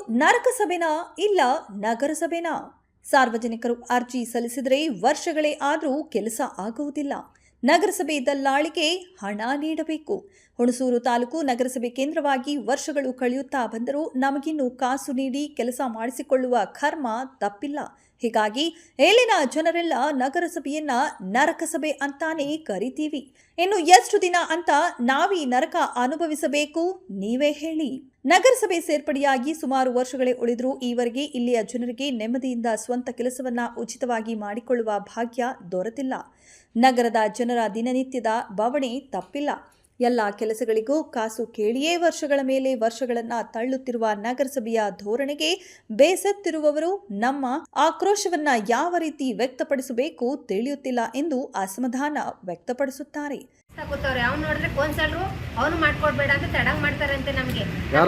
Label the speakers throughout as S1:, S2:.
S1: ನರಕಸಭೆನಾ ಇಲ್ಲ ನಗರಸಭೆನಾ? ಸಾರ್ವಜನಿಕರು ಅರ್ಜಿ ಸಲ್ಲಿಸಿದರೆ ವರ್ಷಗಳೇ ಆದರೂ ಕೆಲಸ ಆಗುವುದಿಲ್ಲ. ನಗರಸಭೆ ದಲ್ಲಾಳಿಗೆ ಹಣ ನೀಡಬೇಕು. ಹುಣಸೂರು ತಾಲೂಕು ನಗರಸಭೆ ಕೇಂದ್ರವಾಗಿ ವರ್ಷಗಳು ಕಳೆಯುತ್ತಾ ಬಂದರೂ ನಮಗಿನ್ನೂ ಕಾಸು ನೀಡಿ ಕೆಲಸ ಮಾಡಿಸಿಕೊಳ್ಳುವ ಕರ್ಮ ತಪ್ಪಿಲ್ಲ. ಹೀಗಾಗಿ ಇಲ್ಲಿನ ಜನರೆಲ್ಲ ನಗರಸಭೆಯನ್ನ ನರಕಸಭೆ ಅಂತಾನೆ ಕರಿತೀವಿ. ಇನ್ನು ಎಷ್ಟು ದಿನ ಅಂತ ನಾವೀ ನರಕ ಅನುಭವಿಸಬೇಕು? ನೀವೇ ಹೇಳಿ. ನಗರಸಭೆ ಸೇರ್ಪಡೆಯಾಗಿ ಸುಮಾರು ವರ್ಷಗಳೇ ಉಳಿದರೂ ಈವರೆಗೆ ಇಲ್ಲಿಯ ಜನರಿಗೆ ನೆಮ್ಮದಿಯಿಂದ ಸ್ವಂತ ಕೆಲಸವನ್ನ ಉಚಿತವಾಗಿ ಮಾಡಿಕೊಳ್ಳುವ ಭಾಗ್ಯ ದೊರೆತಿಲ್ಲ. ನಗರದ ಜನರ ದಿನನಿತ್ಯದ ಬವಣೆ ತಪ್ಪಿಲ್ಲ. ಎಲ್ಲ ಕೆಲಸಗಳಿಗೂ ಕಾಸು ಕೇಳಿಯೇ ವರ್ಷಗಳ ಮೇಲೆ ವರ್ಷಗಳನ್ನ ತಳ್ಳುತ್ತಿರುವ ನಗರಸಭೆಯ ಧೋರಣೆಗೆ ಬೇಸತ್ತಿರುವವರು ನಮ್ಮ ಆಕ್ರೋಶವನ್ನ ಯಾವ ರೀತಿ ವ್ಯಕ್ತಪಡಿಸಬೇಕು ತಿಳಿಯುತ್ತಿಲ್ಲ ಎಂದು ಅಸಮಾಧಾನ ವ್ಯಕ್ತಪಡಿಸುತ್ತಾರೆ.
S2: ಅವ್ನು ನೋಡಿದ್ರೆ ಕೌನ್ಸಲರು ಅವನು ಮಾಡ್ಕೊಡ್ಬೇಡ ಅಂತ ತಡಂಗ್ ಮಾಡ್ತಾರೆ ಅಂತೆ. ನಮ್ಗೆ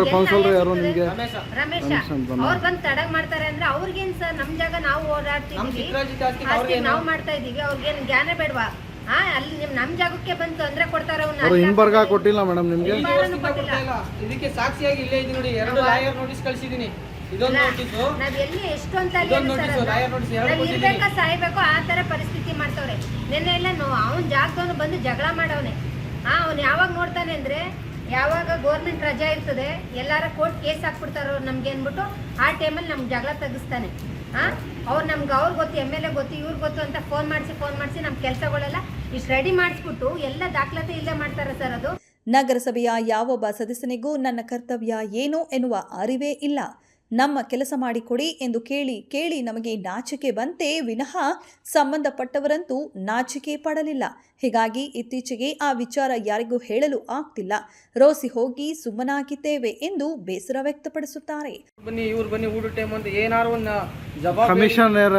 S2: ರಮೇಶ ಅವ್ರು ಬಂದು ತಡಂಗ್ ಮಾಡ್ತಾರೆ ಅಂದ್ರೆ ಅವ್ರಿಗೇನ್ ಸರ್, ನಮ್ ಜಾಗ ನಾವು ಓಡಾಡ್ತಿದೀವಿ, ನಾವು ಮಾಡ್ತಾ ಇದೀವಿ, ಅವ್ರಿಗೇನ್ ಜ್ಞಾನ ಬೇಡವಾ? ಅಲ್ಲಿ ನಮ್ ಜಾಗಕ್ಕೆ ಬಂದು ತೊಂದ್ರೆ ಕೊಡ್ತಾರೆ.
S3: ಕೊಟ್ಟಿಲ್ಲ ಮೇಡಮ್, ನಿಮ್ಗೆ
S4: ಇದಕ್ಕೆ ಸಾಕ್ಷಿಯಾಗಿ ಇಲ್ಲೇ ಇದೆ ನೋಡಿ, 2 ಲಾಯರ್ ನೋಟಿಸ್ ಕಳಿಸಿದೀನಿ.
S2: ನಾವ್ ಎಲ್ಲಿ ಎಷ್ಟು ಅಂತ ಇರ್ಬೇಕಾ ಸಾಯ್ಬೇಕು ಆ ತರ ಪರಿಸ್ಥಿತಿ ಮಾಡ್ತವ್ರೆ. ನೆನ್ನೆ ಎಲ್ಲ ಅವನ್ ಜಾಗದವನು ಬಂದು ಜಗಳ ಮಾಡವನೆ. ಅವ್ನು ಯಾವಾಗ ನೋಡ್ತಾನೆ ಅಂದ್ರೆ ಯಾವಾಗ ಗೌರ್ಮೆಂಟ್ ರಜಾ ಇರ್ತದೆ, ಎಲ್ಲಾರ ಕೋರ್ಟ್ ಕೇಸ್ ಹಾಕ್ಬಿಡ್ತಾರೋ ನಮ್ಗೆ ಅನ್ಬಿಟ್ಟು ಆ ಟೈಮಲ್ಲಿ ನಮ್ಗೆ ಜಗಳ ತೆಗಿಸ್ತಾನೆ. ಅವ್ರು ನಮ್ಗೆ ಅವ್ರು ಗೊತ್ತು, MLA ಗೊತ್ತು, ಇವ್ರು ಗೊತ್ತು ಅಂತ ಫೋನ್ ಮಾಡಿಸಿ ನಮ್ಮ ಕೆಲಸಗಳೆಲ್ಲ ಇಷ್ಟು ರೆಡಿ ಮಾಡಿಸ್ಬಿಟ್ಟು ಎಲ್ಲ ದಾಖಲಾತಿ ಇಲ್ಲೇ ಮಾಡ್ತಾರೆ ಸರ್. ಅದು
S1: ನಗರಸಭೆಯ ಯಾವೊಬ್ಬ ಸದಸ್ಯನಿಗೂ ನನ್ನ ಕರ್ತವ್ಯ ಏನು ಎನ್ನುವ ಅರಿವೇ ಇಲ್ಲ. ನಮ್ಮ ಕೆಲಸ ಮಾಡಿಕೊಡಿ ಎಂದು ಕೇಳಿ ನಮಗೆ ನಾಚಿಕೆ ಬಂತೆ ವಿನಃ ಸಂಬಂಧಪಟ್ಟವರಂತೂ ನಾಚಿಕೆ ಪಡಲಿಲ್ಲ. ಹೀಗಾಗಿ ಇತ್ತೀಚೆಗೆ ಆ ವಿಚಾರ ಯಾರಿಗೂ ಹೇಳಲು ಆಗ್ತಿಲ್ಲ. ರೋಸಿ ಹೋಗಿ ಸುಮ್ಮನಾಗಿದ್ದೇವೆ ಎಂದು ಬೇಸರ ವ್ಯಕ್ತಪಡಿಸುತ್ತಾರೆ.
S4: ಬನ್ನಿ ಊಟ ಟೈಮ್ ಅಂತ ಏನಾರು
S3: ಕಮಿಷನರ್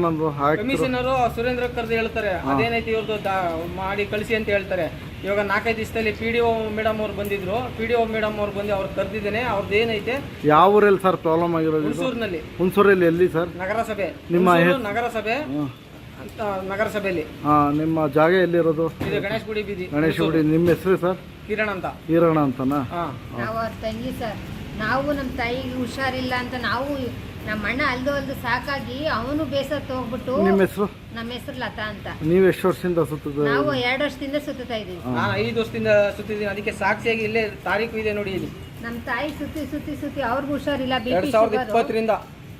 S4: ಸುರೇಂದ್ರ ಕರ್ದು ಹೇಳ್ತಾರೆ, ಅದೇನೈತಿ ಇವ್ರದ್ದು ಮಾಡಿ ಕಳಿಸಿ ಅಂತ ಹೇಳ್ತಾರೆ. ಇವಾಗ 4-5 ದಿವಸದಲ್ಲಿ PDO ಮೇಡಮ್ ಅವ್ರು ಬಂದಿದ್ರು. PDO ಮೇಡಮ್ ಅವ್ರು ಬಂದು ಅವ್ರು ಕರೆದಿದ್ದೇನೆ. ಅವ್ರದ್ದು ಏನೈತೆ,
S3: ಯಾವ ಊರಲ್ಲಿ ಸರ್ ಪ್ರಾಬ್ಲಮ್ ಆಗಿರೋದು? ಹುಣಸೂರಲ್ಲಿ. ಎಲ್ಲಿ ಸರ್?
S4: ನಗರಸಭೆ.
S3: ನಿಮ್ಮ
S4: ನಗರಸಭೆ ಅಂತ ನಗರಸಭೆಯಲ್ಲಿ.
S3: ನಿಮ್ಮ ಜಾಗ ಎಲ್ಲಿರೋದು?
S4: ಇದು ಗಣೇಶ್ ಗುಡಿ ಬೀದಿ.
S3: ಗಣೇಶ್ ಗುಡಿ. ನಿಮ್ಮ ಹೆಸರು ಸರ್?
S4: ಕಿರಣ್ ಅಂತ.
S3: ಕಿರಣ್ ಅಂತನಾ?
S2: ನಾವು ಅವ್ರ ತಂಗಿ ಸರ್. ನಾವು ನಮ್ಮ ತಾಯಿಗೆ ಹುಷಾರಿಲ್ಲ ಅಂತ ನಾವು ನಮ್ಮ ಅಣ್ಣ ಅಲ್ದು ಸಾಕಾಗಿ ಅವನು ಬೇಸತ್ತು ಹೋಗ್ಬಿಟ್ಟು.
S3: ನಿಮ್ಮ ಹೆಸರು?
S2: ನಮ್ಮ ಹೆಸರು ಲತಾ ಅಂತ.
S3: ನೀವು ಎಷ್ಟು ವರ್ಷದಿಂದ ಸುತ್ತ?
S2: ನಾವು 2 ವರ್ಷದಿಂದ ಸುತ್ತಾ ಇದೀವಿ.
S4: ನಾನು 5 ವರ್ಷದಿಂದ ಸುತ್ತಿದ್ದೀನಿ. ಅದಕ್ಕೆ ಸಾಕ್ಷಿಯಾಗಿ ಇಲ್ಲೇ ತಾರೀಕು ಇದೆ ನೋಡಿ ಇಲ್ಲಿ.
S2: ನಮ್ಮ ತಾಯಿ ಸುತ್ತಿ ಅವ್ರಿಗೂ ಹುಷಾರಿಲ್ಲ.
S4: 2020ರಿಂದ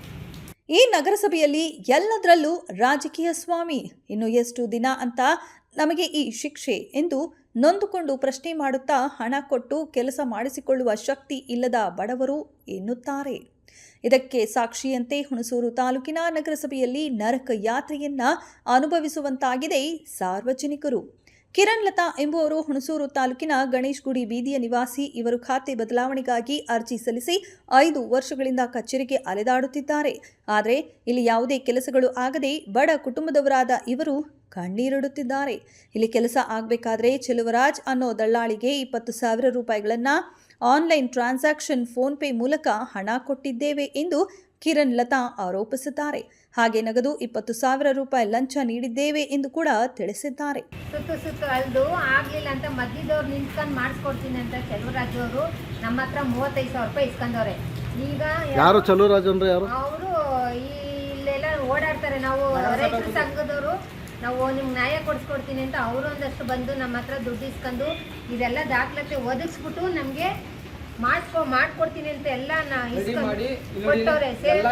S1: ಈ ನಗರಸಭೆಯಲ್ಲಿ ಎಲ್ಲದರಲ್ಲೂ ರಾಜಕೀಯ ಸ್ವಾಮಿ. ಇನ್ನು ಎಷ್ಟು ದಿನ ಅಂತ ನಮಗೆ ಈ ಶಿಕ್ಷೆ ಎಂದು ನೊಂದುಕೊಂಡು ಪ್ರಶ್ನೆ ಮಾಡುತ್ತಾ ಹಣ ಕೊಟ್ಟು ಕೆಲಸ ಮಾಡಿಸಿಕೊಳ್ಳುವ ಶಕ್ತಿ ಇಲ್ಲದ ಬಡವರು ಎನ್ನುತ್ತಾರೆ. ಇದಕ್ಕೆ ಸಾಕ್ಷಿಯಂತೆ ಹುಣಸೂರು ತಾಲೂಕಿನ ನಗರಸಭೆಯಲ್ಲಿ ನರಕ ಯಾತ್ರೆಯನ್ನ ಅನುಭವಿಸುವಂತಾಗಿದೆ ಸಾರ್ವಜನಿಕರು. ಕಿರಣ್ ಲತಾ ಎಂಬುವರು ಹುಣಸೂರು ತಾಲೂಕಿನ ಗಣೇಶ್ ಗುಡಿ ಬೀದಿಯ ನಿವಾಸಿ. ಇವರು ಖಾತೆ ಬದಲಾವಣೆಗಾಗಿ ಅರ್ಜಿ ಸಲ್ಲಿಸಿ 5 ವರ್ಷಗಳಿಂದ ಕಚೇರಿಗೆ ಅಲೆದಾಡುತ್ತಿದ್ದಾರೆ. ಆದರೆ ಇಲ್ಲಿ ಯಾವುದೇ ಕೆಲಸಗಳು ಆಗದೆ ಬಡ ಕುಟುಂಬದವರಾದ ಇವರು ಕಣ್ಣೀರಿಡುತ್ತಿದ್ದಾರೆ. ಇಲ್ಲಿ ಕೆಲಸ ಆಗಬೇಕಾದ್ರೆ ಚೆಲುವರಾಜ್ ಅನ್ನೋ ದಳ್ಳಾಳಿಗೆ 20,000 ರೂಪಾಯಿಗಳನ್ನು ಆನ್ಲೈನ್ ಟ್ರಾನ್ಸಾಕ್ಷನ್ ಫೋನ್ಪೇ ಮೂಲಕ ಹಣ ಕೊಟ್ಟಿದ್ದೇವೆ ಎಂದು ಕಿರಣ್ ಲತಾ ಆರೋಪಿಸಿದ್ದಾರೆ. ಹಾಗೆ ನಗದು 20,000 ರೂಪಾಯಿ ಲಂಚ ನೀಡಿದ್ದೇವೆ ಎಂದು ಕೂಡ ತಿಳಿಸಿದ್ದಾರೆ.
S2: ಸುತ್ತು ಅಲ್ದು ಆಗ್ಲಿಲ್ಲ ಅಂತ ಮಧ್ಯದವ್ರು ನಿಂತ್ಕೊಂಡು ಮಾಡಿಸ್ಕೊಡ್ತೀನಿ ಅಂತ ಚೆಲುವರಾಜ್ ಅವರು ನಮ್ಮ ಹತ್ರ 35,000 ರೂಪಾಯಿ ಇಸ್ಕೊಂಡವ್ರೆ. ಈಗ
S3: ಯಾರು ಚೆಲುವರಾಜ್ ಅಂದ್ರೆ ಯಾರು?
S2: ಅವರು ಇಲ್ಲೆಲ್ಲ ಓಡಾಡ್ತಾರೆ. ನಾವು ರೈತರ ಸಂಘದವರು, ನಾವು ನಿಮ್ಗೆ ನ್ಯಾಯ ಕೊಡಿಸ್ಕೊಡ್ತೀನಿ ಅಂತ ಅವರು ಒಂದಷ್ಟು ಬಂದು ನಮ್ಮ ಹತ್ರ ದುಡ್ಡು ಇಸ್ಕೊಂಡು ಇದೆಲ್ಲ ದಾಖಲಾತಿ ಒದಗಿಸ್ಬಿಟ್ಟು ನಮಗೆ ಮಾಡ್ಕೊಡ್ತೀನಿ ಅಂತ ಎಲ್ಲ ಕೊಟ್ಟವ್ರೆ.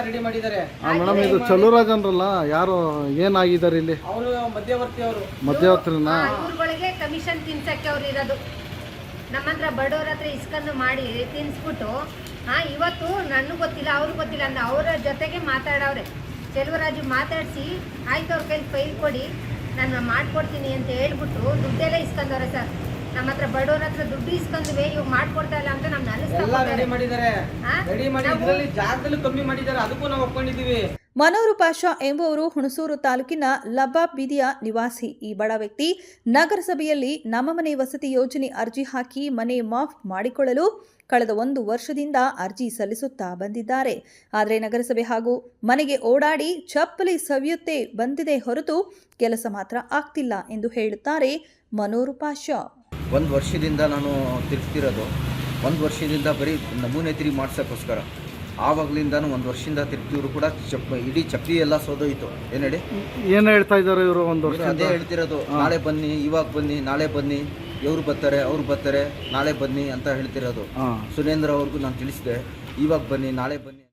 S3: ಮೇಡಮ್, ಇದು ಚೆಲುವರಾಜ್ ಅಂದ್ರಲ್ಲ, ಯಾರು ಏನಾಗಿದ್ದಾರೆ ಇಲ್ಲಿ?
S4: ಅವರು
S3: ಮಧ್ಯವರ್ತಿನ
S2: ಇವ್ರುಗಳಿಗೆ ಕಮಿಷನ್ ತಿನ್ಸಕ್ಕೆ ಅವ್ರು ಇರೋದು. ನಮ್ಮ ಹತ್ರ ಬಡವ್ರ ಹತ್ರ ಇಸ್ಕೊಂಡು ಮಾಡಿ ತಿನ್ಸ್ಬಿಟ್ಟು ಇವತ್ತು ನನಗೂ ಗೊತ್ತಿಲ್ಲ ಅವ್ರಿಗೆ ಗೊತ್ತಿಲ್ಲ ಅಂತ ಅವರ ಜೊತೆಗೆ ಮಾತಾಡವ್ರೆ. ಚೆಲುವರಾಜು ಮಾತಾಡಿಸಿ ಆಯ್ತು ಅವ್ರ ಕೈಲಿ ಫೈಲ್ ಕೊಡಿ ನಾನು ಮಾಡ್ಕೊಡ್ತೀನಿ ಅಂತ ಹೇಳ್ಬಿಟ್ಟು ದುಡ್ಡೆಲ್ಲ ಇಸ್ಕೊಂಡವ್ರೆ ಸರ್. ನಮ್ಮ ಹತ್ರ ಬಡವ್ರ ಹತ್ರ ದುಡ್ಡು ಇಸ್ಕೊಂಡ್ವಿ, ಇವಾಗ ಮಾಡ್ಕೊಡ್ತಾ ಇಲ್ಲ ಅಂತ ನಮ್ಗೆ
S1: ಮನೋರು ಪಾಷಾ ಎಂಬುವರು ಹುಣಸೂರು ತಾಲೂಕಿನ ಲಬಾಬ್ ಬೀದಿಯ ನಿವಾಸಿ. ಈ ಬಡ ವ್ಯಕ್ತಿ ನಗರಸಭೆಯಲ್ಲಿ ನಮ್ಮ ಮನೆ ವಸತಿ ಯೋಜನೆ ಅರ್ಜಿ ಹಾಕಿ ಮನೆ ಮಾಫ್ ಮಾಡಿಕೊಳ್ಳಲು ಕಳೆದ 1 ವರ್ಷದಿಂದ ಅರ್ಜಿ ಸಲ್ಲಿಸುತ್ತಾ ಬಂದಿದ್ದಾರೆ. ಆದರೆ ನಗರಸಭೆ ಹಾಗೂ ಮನೆಗೆ ಓಡಾಡಿ ಚಪ್ಪಲಿ ಸವಿಯುತ್ತೇ ಬಂದಿದೆ ಹೊರತು ಕೆಲಸ ಮಾತ್ರ ಆಗ್ತಿಲ್ಲ ಎಂದು ಹೇಳುತ್ತಾರೆ ಮನೋರು ಪಾಷಾ.
S5: 1 ವರ್ಷದಿಂದ ನಾನು ತಿರುಗ್ತಿರೋದು. 1 ವರ್ಷದಿಂದ ಬರೀ ನಮೂನೆ ತಿರುಗಿ ಮಾಡ್ಸೋಕ್ಕೋಸ್ಕರ ಆವಾಗಲಿಂದನೂ 1 ವರ್ಷದಿಂದ ತಿರುಗ್ತಿದ್ರು ಕೂಡ ಇಡೀ ಚಪ್ಪಲಿ ಎಲ್ಲ ಸೋದೋಯ್ತು. ಏನು ಹೇಳಿ,
S3: ಏನು ಹೇಳ್ತಾ ಇದ್ದಾರೆ ಇವರು? ಒಂದು ವರ್ಷ
S5: ಅದೇ ಹೇಳ್ತಿರೋದು, ನಾಳೆ ಬನ್ನಿ, ಇವಾಗ ಬನ್ನಿ, ನಾಳೆ ಬನ್ನಿ, ಇವ್ರು ಬರ್ತಾರೆ, ಅವ್ರು ಬರ್ತಾರೆ, ನಾಳೆ ಬನ್ನಿ ಅಂತ ಹೇಳ್ತಿರೋದು. ಸುರೇಂದ್ರ ಅವ್ರಿಗೂ ನಾನು ತಿಳಿಸಿದೆ, ಇವಾಗ ಬನ್ನಿ, ನಾಳೆ ಬನ್ನಿ.